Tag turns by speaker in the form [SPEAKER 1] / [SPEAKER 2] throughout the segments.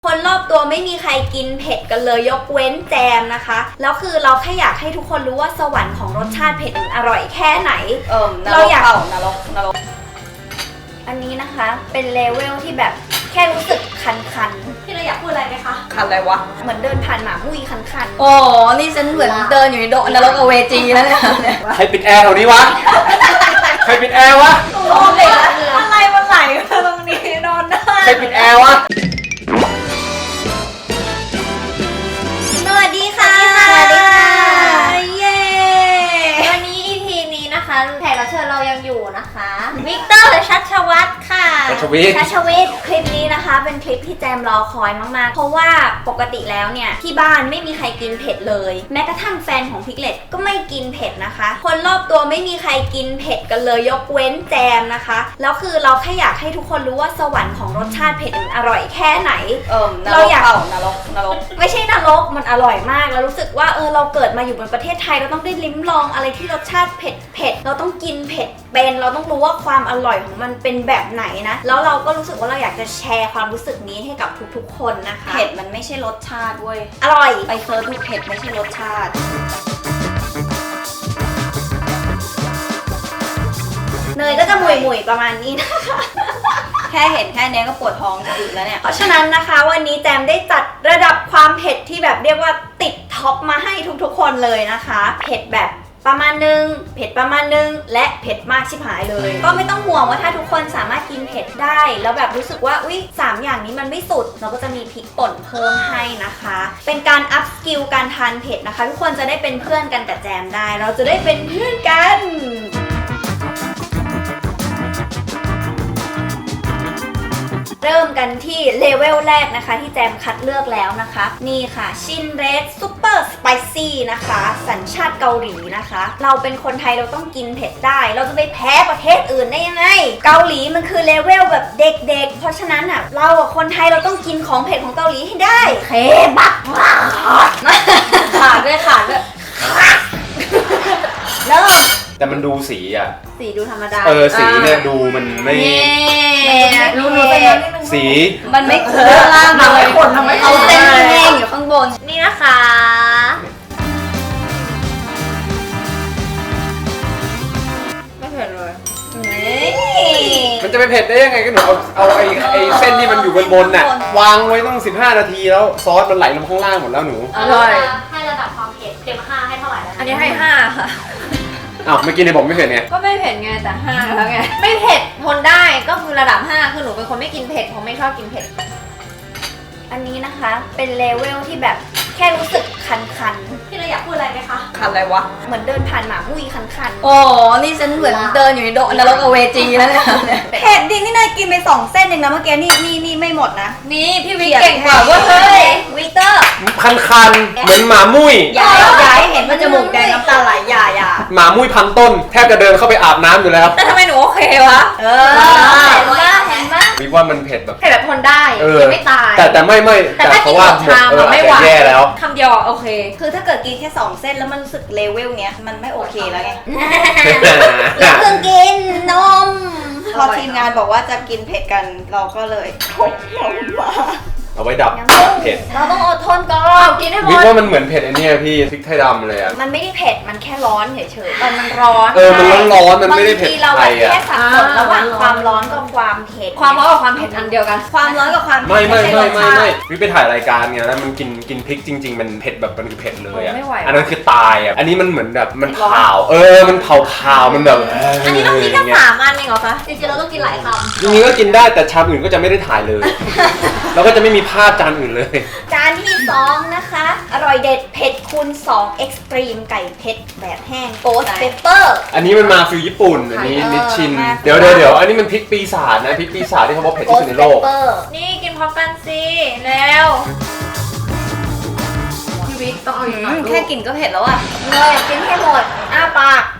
[SPEAKER 1] คนรอบตัวไม่มีใครกินเผ็ดกันเลยยกเว้นแจมนะคะแล้วคือเราแค่อยากให้ทุกคนรู้ว่าสวรรค์ของรสชาติเผ็ดอร่อยแค่ไหนเราอยาก
[SPEAKER 2] นรก
[SPEAKER 1] อันนี้นะคะเป็นเลเวลที่แบบแค่รู้สึกคันๆพี่เราอยากพูดอะไรไหมคะ
[SPEAKER 2] คันอะไรวะ
[SPEAKER 1] เหมือนเดินผ่านหมามุ้ยคันๆ
[SPEAKER 2] อ๋อนี่ฉันเหมือนเดินอยู่ในนรกอเวจีแล้วเนี่ย
[SPEAKER 3] ใครปิดแอร์แถวนี้วะใครปิดแอร์วะ
[SPEAKER 2] โอ้ยอะไรมันไหลมาตรงนี้นอนได้
[SPEAKER 3] ใครปิดแอร์วะ
[SPEAKER 1] สวัสดีค่ะ
[SPEAKER 2] สวัสดีค่ะ
[SPEAKER 1] เย้วันนี้ EP นี้นะคะแขกรับเชิญเรายังอยู่นะคะวิกเตอร์ชัชวัฒน์ค่ะ
[SPEAKER 3] ชัชวิทย์
[SPEAKER 1] คลิปนี้นะคะเป็นคลิปที่แจมรอคอยมากๆเพราะว่าปกติแล้วเนี่ยที่บ้านไม่มีใครกินเผ็ดเลยแม้กระทั่งแฟนของพิกเลตก็ไม่กินเผ็ดนะคะคนรอบตัวไม่มีใครกินเผ็ดกันเลยยกเว้นแจมนะคะแล้วคือเราแค่อยากให้ทุกคนรู้ว่าสวรรค์ของรสชาติเผ็ดอร่อยแค่ไหน
[SPEAKER 2] เราอยากนรก
[SPEAKER 1] ไม่ใช่นรกมันอร่อยมากแล้วรู้สึกว่าเราเกิดมาอยู่บนประเทศไทยเราต้องได้ลิ้มลองอะไรที่รสชาติเผ็ดเราต้องกินเผ็ดเป็นเราต้องรู้ว่าความอร่อยของมันเป็นแบบไหนนะแล้วเราก็รู้สึกว่าเราอยากจะแชร์ความรู้สึกนี้ให้กับทุกๆคนนะคะ
[SPEAKER 2] เผ็ดมันไม่ใช่รสชาติเว้ย
[SPEAKER 1] อร่อย
[SPEAKER 2] ไปเซิร์ชดูเผ็ดไม่ใช่รสชาติ
[SPEAKER 1] เนยก็จะหมุยๆประมาณนี้นะคะ
[SPEAKER 2] แค่เห็นแค่นี้ก็ปวดท้องจะอึแล้วเนี่ย
[SPEAKER 1] เพราะฉะนั้นนะคะวันนี้แจมได้จัดระดับความเผ็ดที่แบบเรียกว่าติดท็อปมาให้ทุกๆคนเลยนะคะเผ็ดแบบประมาณนึงเผ็ดประมาณนึงและเผ็ดมากชิบหายเลยก็ไม่ต้องห่วงว่าถ้าทุกคนสามารถกินเผ็ดได้แล้วแบบรู้สึกว่าอุ๊ย3อย่างนี้มันไม่สุดเราก็จะมีพริกป่นเพิ่มให้นะคะเป็นการอัพสกิลการทานเผ็ดนะคะทุกคนจะได้เป็นเพื่อนกันกับแจมได้เราจะได้เป็นเพื่อนกันเริ่มกันที่เลเวลแรกนะคะที่แจมคัดเลือกแล้วนะคะนี่ค่ะชินเรดซุปเปอร์สไปซี่นะคะสัญชาติเกาหลีนะคะเราเป็นคนไทยเราต้องกินเผ็ดได้เราจะไปแพ้ประเทศอื่นได้ยังไงเกาหลีมันคือเลเวลแบบเด็กๆเพราะฉะนั้นอ่ะเราคนไทยเราต้องกินของเผ็ดของเกาหลีให้ได้เคบับ
[SPEAKER 2] ขาดด้วย
[SPEAKER 1] เริ่ม
[SPEAKER 3] แต่มันดูสีอ่ะ
[SPEAKER 1] สีดูธรรมดา
[SPEAKER 3] สีเนี่ยดูมันไม่
[SPEAKER 2] รู้
[SPEAKER 3] สี
[SPEAKER 2] มันไม่คุ้มล่างเลย
[SPEAKER 1] เอาเส้นแห้งอยู่ข้างบนนี่นะคะ
[SPEAKER 2] ไม่เผ็ดเลย
[SPEAKER 3] มันจะไปเผ็ดได้ยังไงก็หนูเอาไอ้เส้นที่มันอยู่บนน่ะวางไว้ต้อง15 นาทีแล้วซอสมันไหลลงข้างล่างหมดแล้วหนู
[SPEAKER 2] อร่อย
[SPEAKER 1] ให้ระดับความเผ็ดเต็ม5ให้เท่าไหร่แล้ว
[SPEAKER 2] อันนี้ให้5ค่ะ
[SPEAKER 3] อ้าวเมื่อกี้เนี่ยบอกไม่เผ็ดไง
[SPEAKER 2] ก็ไม่เผ็ดไงแต่5แล้วไงไม่เผ็ดทนได้ก็คือระดับ5คือหนูเป็นคนไม่กินเผ็ดเพราะไม่ชอบกินเผ็ด
[SPEAKER 1] อันนี้นะคะเป็นเลเวลที่แบบแค่รู้สึกคันๆพี่เราอยากพูดอะไรไหมคะ
[SPEAKER 2] คันอะไรวะ
[SPEAKER 1] เหมือนเดินผ่านหมามุ้ยคันๆ
[SPEAKER 2] อ๋อนี่ฉันเหมือนเดินอยู่ในนรกอเวจีแล้วเนี่ย
[SPEAKER 1] เผ็ดดินี่นายกินไป2 เส้นเองนะเมื่อกี้นี่ไม่หมดนะ
[SPEAKER 2] นี่พี่วิกเก่งกว่าเว้ย
[SPEAKER 1] วิกเตอร์
[SPEAKER 3] คันเหมือนหมามุ้ย
[SPEAKER 2] อย่าให้เห็นว่าจมูกแดงน้ำตาไหลอย่า
[SPEAKER 3] หมามุ้ยพันต้นแทบจะเดินเข้าไปอาบน้ำอยู่แล้ว
[SPEAKER 2] แต่ทำไมหนูโอเควะ
[SPEAKER 1] เห็นไหม
[SPEAKER 3] วิว่ามันเผ็ดแบบ
[SPEAKER 2] แบบทนได้ไม่ตาย
[SPEAKER 3] แต่ไม่
[SPEAKER 2] แต่ถ้ากินหมดชามมันไม่ไหว
[SPEAKER 3] แย่แล้ว
[SPEAKER 2] คำเดียวโอเค
[SPEAKER 1] คือถ้าเกิดกินแค่2 เส้นแล้วมันรู้สึกเลเวลเนี้ยมันไม่โอเคแล้วไง
[SPEAKER 2] อย่า
[SPEAKER 1] เพิ่งกินนมพอทีมงานบอกว่าจะกินเผ็ดกันเราก็เลยพกนมมา
[SPEAKER 3] เอาไว้ดับเผ็ด
[SPEAKER 1] เราต้องอดทนก่อน
[SPEAKER 2] กินให้หมด
[SPEAKER 3] วิว่ามันเหมือนเผ็ดไอ้นี่พี่พริกไทยดำเลยอ่ะ
[SPEAKER 1] มันไม่ได้เผ็ดมันแค่ร้อนเฉย
[SPEAKER 2] ๆมันร้อน
[SPEAKER 3] มันร้อนมันไม่ได้เผ็ด
[SPEAKER 1] บางทีเราแค่สับสนระหว่างความร้อนกับความเผ็ด
[SPEAKER 2] ความร้อนกับความเผ็ดอันเดียวกัน
[SPEAKER 1] ความร้อนกับความ
[SPEAKER 3] ไม่วิไปถ่ายรายการไงแล้วมันกินพริกจริงๆมันเผ็ดแบบมันคือเผ็ดเลยอ่ะอันนั้นคือตายอ่ะอันนี้มันเหมือนแบบมันเผามันเผามันแบบ
[SPEAKER 1] อันนี้ต้องกินแค่3 อันเองเหรอคะจริงๆเราต้องกินหลายคำ
[SPEAKER 3] จริงๆก็กินได้แต่ชามอื่นก็จะไม่ได้ถ่ายเลยแล้วก็จะไม่มีภาพจานอื่นเลย
[SPEAKER 1] จานที่2นะคะอร่อยเด็ดเผ็ดคูณ2 Extreme ไก่เผ็ดแบบแห้ง Ghost Pepper
[SPEAKER 3] อันนี้มันมาฟิลญี่ปุ่นอันนี้นิชชินเดี๋ยวอันนี้มันพริกปีศาจนะพริกปีศาจที่เขาบอกเผ็ดที่สุดในโลก
[SPEAKER 2] นี่กินพร้อมกันสิแล้วพี่วิกต้องเอาอย่าง
[SPEAKER 1] นั้นแค่กินก็เผ็ดแล้วอ่ะเลยกินให้หมดอ้าปาก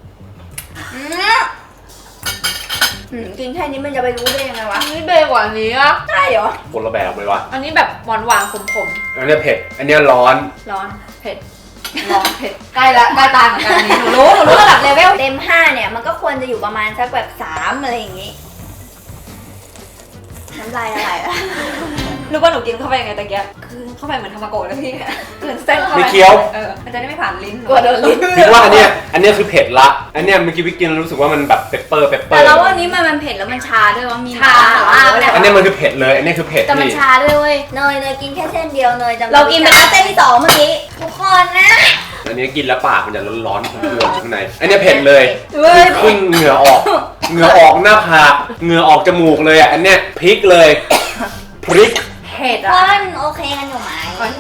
[SPEAKER 1] กินแค่นี้มันจะไปรู้ได้ยังไงวะ
[SPEAKER 2] นี่เบกว่านี้อ่ะ
[SPEAKER 1] ใช่เหรอ
[SPEAKER 3] คนละแบบเลยวะ
[SPEAKER 2] อันนี้แบบหวานขม
[SPEAKER 3] อันนี้เผ็ดอันนี้ร้อน
[SPEAKER 2] เผ็ดใกล้ตายเหมือนกันนี่หนูรู้ระดับเลเวล
[SPEAKER 1] เต็ม5เนี่ยมันก็ควรจะอยู่ประมาณสักแบบ3อะไรอย่างงี้น้ำลายอะไร
[SPEAKER 2] รู้ว่าหนูกินเข้าไปยังไงตะเกียบคือเข้าไปเหมือนทามาโกะเลยพี่คือเส้นเข้าไป
[SPEAKER 3] ไม่เคี้ยว
[SPEAKER 2] มันจะได้ไม่ผ่านลิ้น
[SPEAKER 1] กลัวโดนลิ้น
[SPEAKER 3] พิกว่าอันเนี้ยคือเผ็ดละอันเนี้ยเมื่อกี้พิกกินแล้วรู้สึกว่ามันแบบเปปเปอร์
[SPEAKER 1] แต่เราว่านี้มันเผ็ดแล้วมันชาด้วยว่ามี
[SPEAKER 3] อันเนี้ยมันคือเผ็ดเลยอันเนี้ยคือเผ็ด
[SPEAKER 1] แต่มัน
[SPEAKER 3] นี่
[SPEAKER 1] ชาด้วยเว้ย
[SPEAKER 4] เนยกินแค่เส้นเดียวเนยจำ
[SPEAKER 1] เรากินไปแล้วเส้นที่2เมื่อกี้ทุกคนนะ
[SPEAKER 3] อันนี้กินแล้วปากมันจะร้อนๆเพื่อนๆข้างในอันเนี้ยเผ็ดเลย
[SPEAKER 1] เว้ย
[SPEAKER 3] ขึ้นเหงื่อออกหน้าผากเหงื่อออกจมูกเลยอ่ะอันเนี้ยพริกเลยพริก
[SPEAKER 2] เผ็ด
[SPEAKER 4] ก้
[SPEAKER 2] อ่ะ
[SPEAKER 4] อนโอเคกันอยู่ไหม
[SPEAKER 2] โอเค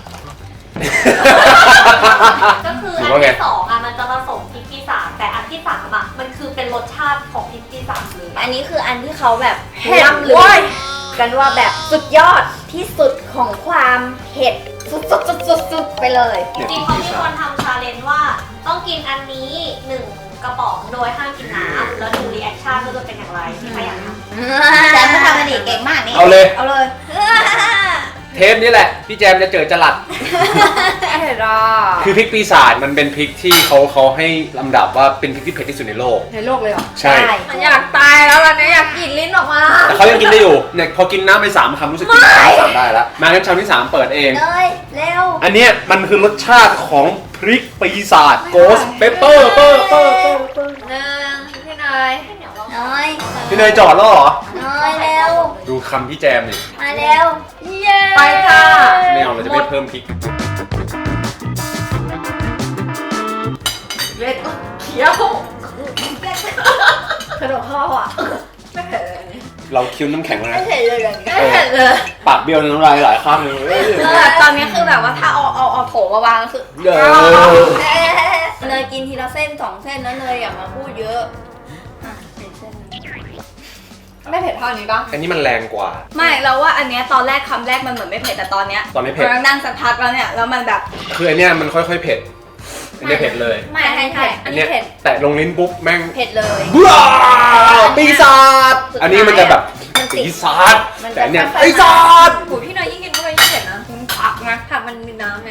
[SPEAKER 5] ก็คือ
[SPEAKER 3] หรื
[SPEAKER 5] อั
[SPEAKER 3] อว่าไง
[SPEAKER 5] นที่สองอ่ะมันจะผสมพริกที่สามแต่อันที่สามอ่ะมันคือเป็นรสชาติของพริกที่สามเลย
[SPEAKER 4] อันนี้คืออันที่เขาแบบ
[SPEAKER 1] เผ็ด
[SPEAKER 4] ล่ำลื
[SPEAKER 1] เว้
[SPEAKER 4] อย กันว่าแบบสุดยอดที่สุดของความเผ็ดสุดๆๆๆไปเลย
[SPEAKER 5] จริงๆเขามีคนทำชาเลนจ์ว่าต้องกินอันนี้1 กระป๋องโดยห้ามกินน้ำแล้วดูรีแอคชั่นว่าจะเป็นอย่างไรที่ใครอยากทำ
[SPEAKER 4] แจมก็ทำมันดีเก่งมากนี่
[SPEAKER 3] เอาเลย
[SPEAKER 1] เอาเลย
[SPEAKER 3] เทปนี้แหละพี่แจมจะเจอจรัส
[SPEAKER 2] เผ็ดอ่ะ
[SPEAKER 3] คือพริกปีศาจมันเป็นพริกที่เขาให้ลำดับว่าเป็นพริกที่เผ็ดที่สุดในโลก
[SPEAKER 2] ในโลกเลยเหรอ
[SPEAKER 3] ใช่
[SPEAKER 2] มันอยากตายแล้วล่ะเนี่ยอยากกรีดลิ้นออกมา
[SPEAKER 3] แต่เขายังกินได้อยู่เนี่ยพอกินน้ำไป3 คำรู้สึกกินน้ำ3ได้แล้วมางั้นชามที่ 3 เปิดเอง
[SPEAKER 4] เนยเร็ว
[SPEAKER 3] อันเนี้ยมันคือรสชาติของพริกปีศาจโกสเปเปอร์
[SPEAKER 2] หนึ่งพี่เนย
[SPEAKER 4] เนย
[SPEAKER 3] พี่เนยจอดแล้วเหรอ
[SPEAKER 4] เนยเร็ว
[SPEAKER 3] ดูคำพี่แจมนี่
[SPEAKER 4] มาเร็ว เย้
[SPEAKER 2] ไปค่ะ
[SPEAKER 3] ไม่เอาเราจะไม่เพิ่มพริก
[SPEAKER 2] เล็ดเคี้ยวขนมข้าวอ่ะไม่เผ็ดเลยอันนี้
[SPEAKER 3] เราคิ้วน้ำแข็งแล้ว
[SPEAKER 4] ไม่
[SPEAKER 3] นะ
[SPEAKER 4] เผ็ดเลยแบบนี้
[SPEAKER 2] ไม่เผ็ดเลย
[SPEAKER 3] ปากเบี้ยวน้ำลายหลายข้างเลย
[SPEAKER 1] ตอนนี้คือแบบว่าถ้าเอาโถมาวางก็คือ
[SPEAKER 3] เด้อ
[SPEAKER 4] เนยกินทีละเส้น2 เส้นแล้วเนยอย่ามาพูดเยอะอ่ะเห็นเส้น
[SPEAKER 2] ไม่เผ็ดเท่านี้ปะ
[SPEAKER 3] อันนี้มันแรงกว่า
[SPEAKER 1] ไม่เราว่าอันเนี้ยตอนแรกคำแรกมันเหมือนไม่เผ็ดแต่ตอนเนี้ย
[SPEAKER 3] ตอนนี้เผ็ด
[SPEAKER 1] เรานั่งสักพักแล้วเนี่ยแล้วมันแบบ
[SPEAKER 3] คืออันเนี้ยมันค่อยๆเผ็ด อันเนี้ยเผ็ดเลย
[SPEAKER 4] ไม่ให้เผ็ด
[SPEAKER 3] อันเนี้ยแตะลงลิ้นปุ๊บแม่ง
[SPEAKER 4] เผ็ดเลย
[SPEAKER 3] ว้าวปีศาจ
[SPEAKER 4] สุดท้าย
[SPEAKER 3] อันนี้มันจะแบบ
[SPEAKER 4] มันติด
[SPEAKER 3] ปีศาจ
[SPEAKER 4] มันจะ
[SPEAKER 3] แต่อันเนี้ย
[SPEAKER 4] ค่อยๆ
[SPEAKER 3] ปีศาจ
[SPEAKER 2] โอ้ยพี่เนยยิ่งกินเข้าไปยิ่งเผ็ดนะผักนะผักมันมีน้ำไง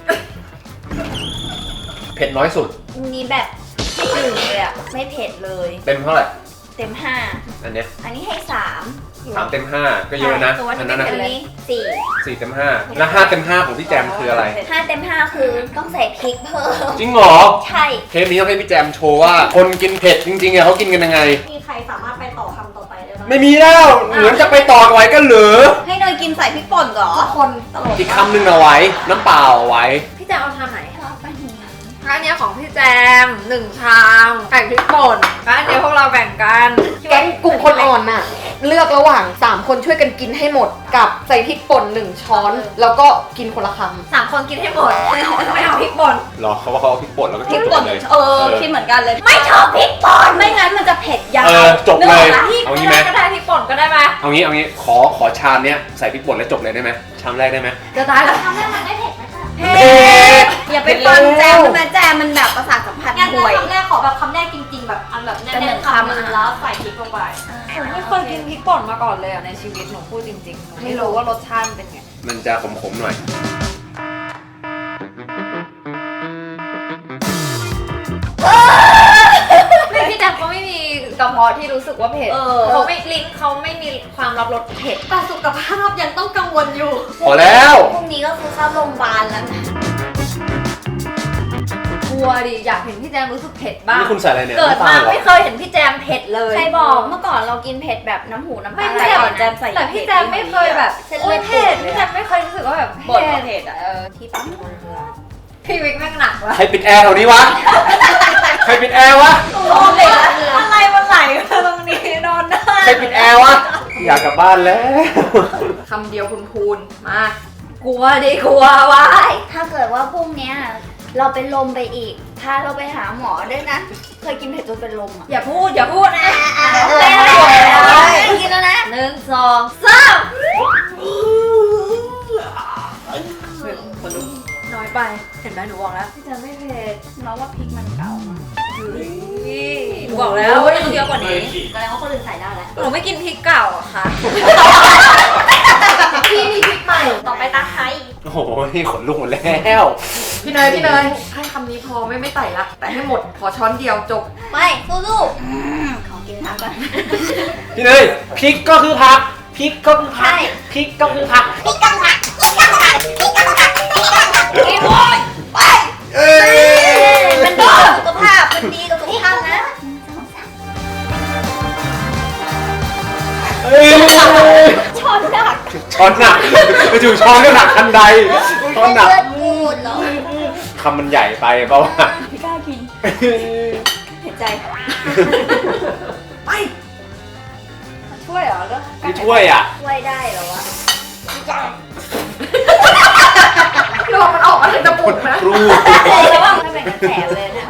[SPEAKER 3] เผ็ดน้อยสุด
[SPEAKER 4] อันนี้แบบไม่ถึงเลยอ่ะไม่เผ็ดเลย
[SPEAKER 3] เต็มเท่าไหร่
[SPEAKER 4] เต็ม
[SPEAKER 3] อันเนี้ย
[SPEAKER 4] 5 อันนี้ให้3
[SPEAKER 3] 3 เต็ม 5 ก็เยอะนะ
[SPEAKER 1] ตัว
[SPEAKER 3] อั
[SPEAKER 1] ที่
[SPEAKER 3] น
[SPEAKER 1] ไม่
[SPEAKER 3] นั้นนะ
[SPEAKER 1] เผ็ด
[SPEAKER 4] อันนี้4
[SPEAKER 3] 4 เต็ม 5 แล้ว5 เต็ม 5 ของพี่แจมคืออะไร
[SPEAKER 4] 5 เต็ม 5 คือต้องใส่พริกเพิ่ม
[SPEAKER 3] จริงเหรอ
[SPEAKER 4] ใช่
[SPEAKER 3] เทปนี้ต้องให้พี่แจมโชว์ว่า คนกินเผ็ดจริงๆอะเขากินกันยังไง
[SPEAKER 5] มีใครสามารถไปต่อคำต่อไปได้ไหม
[SPEAKER 3] ไม่มีแล้ว เหมือนจะไปต่อกันไว้กันเหรือ
[SPEAKER 1] ให้เนยกินใส่พริกป่นเหรอ
[SPEAKER 2] คนตลก
[SPEAKER 3] อีกคำหนึ่งเอาไว้ น้ำเปล่าเอาไว้
[SPEAKER 2] พี่แจมเอาทำไหน
[SPEAKER 4] ชอบปะเนี่ย
[SPEAKER 2] ร้านเนี้ยของพี่แจม1 ชามไก่พริกป่นร้านเนี้ยพวกเราแบ่งกัน
[SPEAKER 6] แก๊งกลุ่มคนอ่อนน่ะ เลือกระหว่าง 3 คนช่วยกันกินให้หมดกับใส่พริกป่น1 ช้อน แล้วก็กินคนละคำ
[SPEAKER 2] 3 คนกินให้หมดไม่เอาพริกป่น
[SPEAKER 3] หรอเขาว่าเขาเอาพริกป่นแล้วก็
[SPEAKER 1] พริก
[SPEAKER 3] จ
[SPEAKER 1] ป่
[SPEAKER 3] บ
[SPEAKER 1] น
[SPEAKER 3] เลย
[SPEAKER 1] คิดเหมือนกันเลย
[SPEAKER 4] ไม่ชอบพริกป่น
[SPEAKER 1] ไม่งั้นมันจะเผ็ดยาว
[SPEAKER 3] จบเลย
[SPEAKER 1] นึกออกปะ
[SPEAKER 2] พริก
[SPEAKER 3] เอา
[SPEAKER 2] ไม่
[SPEAKER 3] งี้ไหม
[SPEAKER 2] ได้ก็ได้พริกป่นก็ได้ไหม
[SPEAKER 3] เอางี้ขอชามเนี้ยใส่พริกป่นแล้วจบเลยได้ไหมชามแรกได้ไหม
[SPEAKER 2] จะตายแล้ว
[SPEAKER 5] ทำให้มันไม่เผ็ดนะคะ
[SPEAKER 1] เผ็ดอย่าไปฟังแจมมันแจมมันแบบประสาทสัมผัส
[SPEAKER 5] งั้น
[SPEAKER 1] ห่วย
[SPEAKER 5] คำแรกขอแบบคำแรกจริงๆ แบบอันแบบแน่นๆคำนึงแล้วใส่พริกลงไป
[SPEAKER 2] ผมไม่เคยกินพริกป่นมาก่อนเลยอ่ะในชีวิตหนูพูดจริงๆหนูไม่รู้ว่ารสชาติมันเป็นไง
[SPEAKER 3] มันจะขมๆหน่อย
[SPEAKER 2] พี่แจมเขาไม่มีกระเพาะที่รู้สึกว่าเผ็ดเขาไม่ลิ้นเขาไม่มีความรับรสเผ็ด
[SPEAKER 5] แต่สุขภาพยังต้องกังวลอยู่
[SPEAKER 3] พอแล้ว
[SPEAKER 4] พรุ่งนี้ก็คือเข้าโรงพยาบาลแล้วนะ
[SPEAKER 2] กลัวดิอยากเห็นพี่แจมรู้สึกเผ็ดบ้าง
[SPEAKER 3] นี่คุณใส่อะไรเนี่ย
[SPEAKER 2] เกิดมา
[SPEAKER 3] น้ำตาลเหรอ
[SPEAKER 2] ไม่เคยเห็นพี่แจมเผ็ดเลย
[SPEAKER 4] ใครบอกเมื่อก่อนเรากินเผ็ดแบบน้ำหูน้ำ
[SPEAKER 2] ไม่
[SPEAKER 4] ตา
[SPEAKER 2] ใช่
[SPEAKER 4] ไหล
[SPEAKER 1] ก่อนแจมใส่
[SPEAKER 2] แต่พี่แจมไม่เคยแบบ
[SPEAKER 4] เส้น
[SPEAKER 2] โอ้
[SPEAKER 4] เลื
[SPEAKER 2] ย
[SPEAKER 4] อด
[SPEAKER 2] เผ็ด
[SPEAKER 4] เล
[SPEAKER 2] พี่
[SPEAKER 4] ย
[SPEAKER 2] แจมไม่เคยรู้สึกว่าแบบ
[SPEAKER 1] บ่นว่าเผ็ดอ่ะ
[SPEAKER 4] ที่ปั๊มน้ำมันเรือ
[SPEAKER 2] พี่วิกแม่งหนักว่ะ
[SPEAKER 3] ใครปิดแอร์แถวนี้วะ ใครปิดแอร์วะ
[SPEAKER 1] โอ้เผ็ดอะไรมันไหลมาตรงนี้นอนได้
[SPEAKER 3] ใครปิดแอร์วะ อยากกลับบ้านแล้ว
[SPEAKER 2] คำเดียวพูนๆมากลัวดิกลัววะ
[SPEAKER 4] ถ้าเกิดว่าพรุ่งเนี้ยเราเป็นลมไปอีกพาเราไปหาหมอด้วยนะ เคยกินเผ็ดจนเป็นลมอ่ะ
[SPEAKER 2] อย่าพูดนะ
[SPEAKER 4] กินแล้วนะ
[SPEAKER 2] 1 2 3น้อยไปเห็นไหมหนูบอกแล้วพี่แจมไม่เผ็ด
[SPEAKER 1] เราว่าพริกมันเก่า
[SPEAKER 2] หนูบอกแล้วว่าต้องเยอะกว่านี้
[SPEAKER 5] แสดงว่าคนอื่นใส่ได้แล้ว
[SPEAKER 2] หนูไม่กินพริกเก่าอะค่ะ
[SPEAKER 5] พี่มีพริกใหม่ ต่อไปตาไคร้
[SPEAKER 3] โอ้โหขนลุกหมดแล้ว
[SPEAKER 6] พี่เนยให้คำนี้พอไม่ไต่ละ แต่ให้หมดขอช้อนเดียวจบ
[SPEAKER 4] ไม่สู้ๆขอกินน้ำก่อน
[SPEAKER 3] พี่เนยพริกก็คือผักพริกก็คือผักพริกก็คือผัก
[SPEAKER 1] กินโว้ยไป
[SPEAKER 3] เอ้ย
[SPEAKER 1] มันดีกับสุขภาพมันดีกับสุขภาพนะ
[SPEAKER 3] เอ้ย
[SPEAKER 1] ช้อนหนัก
[SPEAKER 3] ช้อนหนักไปถูช้อนก็หนักทันใดช้อนหนัก
[SPEAKER 4] เลือดปูดเหรอ
[SPEAKER 3] คำมันใหญ่ไปเปล่าวะ
[SPEAKER 1] ไม่กล้ากินเห็นใจไปช่วยเหรอก็
[SPEAKER 3] ไม่ช่วยอ่ะ
[SPEAKER 1] ช่วยได้เหรอวะ
[SPEAKER 6] ลองมันออกมาเป็นจมูกนะ
[SPEAKER 3] ครู
[SPEAKER 1] แล้วว่าไม่เป็นกระแสเลยนะ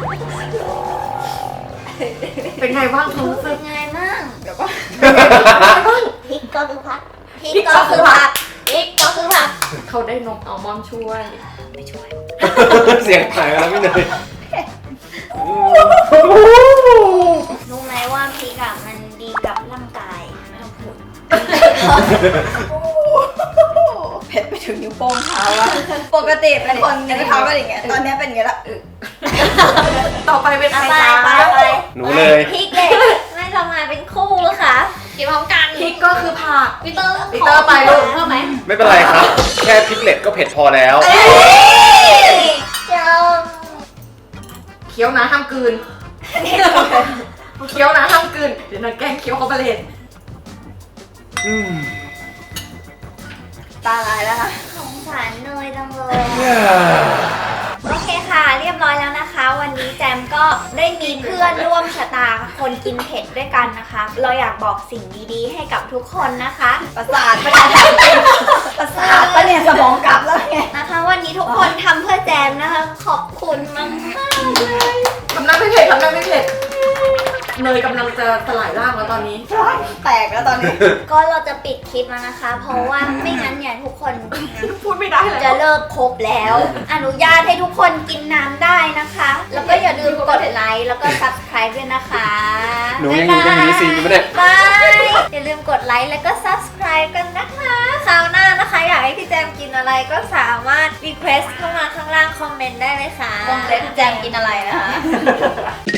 [SPEAKER 6] เป็นไงบ้างความรู้สึก
[SPEAKER 4] เป็นไงมั่ง
[SPEAKER 1] เดี๋ยวก็
[SPEAKER 4] พริกก็คือผักพริกก็คือผักพริกก็คือผัก
[SPEAKER 6] เขาได้นมอัลมอนด์ช่วย
[SPEAKER 1] ไม่ช่วย
[SPEAKER 3] เสียงหายไปแล้วพี่เนย
[SPEAKER 4] รู้ไหมว่าพริกอะมันดีกับร่างกายไม่ต้องพูด
[SPEAKER 1] เผ็ดไปถึงนิ้วโป้งเท้าแล้วปกติเป็นคนนิ้วเท้าก็อย่างเงี้ยตอนนี้เป็นอย่างเงี้ยละ
[SPEAKER 6] ต่อไปเป็นใคร
[SPEAKER 4] ไป
[SPEAKER 6] จ๊ะ
[SPEAKER 4] ไป
[SPEAKER 3] หนูเลย
[SPEAKER 4] พริกเลยไม่ทำงานเป็นคู่ค่ะ
[SPEAKER 2] กินพร้อมกัน
[SPEAKER 6] พริกก็คือผัก
[SPEAKER 2] พี่เตอร์
[SPEAKER 6] ปีเตอร์ไปลูก
[SPEAKER 2] เพิ่มไหม
[SPEAKER 3] ไม่เป็นไรครับ แค่พริกเล็ดก็เผ็ดพอแล้ว
[SPEAKER 4] เจ้า
[SPEAKER 6] เคี้ยวนะห้ามกลืนเคี้ยวนะห้ามกลืนเดี๋ยวนางแกล้งเคี้ยวเขาไปเลย
[SPEAKER 3] อืม
[SPEAKER 1] ตาลายแล้วค่ะ
[SPEAKER 4] สงสารเนยจังเลยโอเคค่ะ เรียบร้อยแล้วนะคะ วันนี้แจมก็ได้มีเพื่อนร่วมชะตาคนกินเผ็ดด้วยกันนะคะ เราอยากบอกสิ่งดีๆ ให้กับทุกคนนะคะ
[SPEAKER 1] ประสาทปะเนี่ยประสาทปะเนี่ยสมองกลับแล้วไง
[SPEAKER 4] นะคะ วันนี้ทุกคนทำเพื่อแจมนะคะ ขอบคุณมากๆเลย
[SPEAKER 6] ทำหน้าไม่เผ็ดทำหน้าไม่เผ็ดเนยกำลังจะสลายร่างแล้วตอนนี้
[SPEAKER 1] แตกแล้วตอนนี้
[SPEAKER 4] ก็เราจะปิดคลิปแล้วนะคะ เพราะว่าไม่งั้นเนี่ยทุกคน
[SPEAKER 6] พูดไม่ได้เลย
[SPEAKER 4] จะเลิกครบแล้ว อนุญาตให้ทุกคนกินน้ำได้นะคะ แล้วก็อย่าลืมกดไลค์แล้วก็ subscribe ด้วยนะคะ
[SPEAKER 3] หนูยังอยู่ในมินิซีนอยู่ปะเนี่ย
[SPEAKER 4] บายอย่าลืมกดไลค์แล้วก็ subscribe กันนะคะคราวหน้านะคะ อยากให้พี่แจมกินอะไรก็สามารถ request เข้ามาข้างล่างคอมเมนต์ได้เลยค่ะ
[SPEAKER 1] วงเล็บแจมกินอะไรนะคะ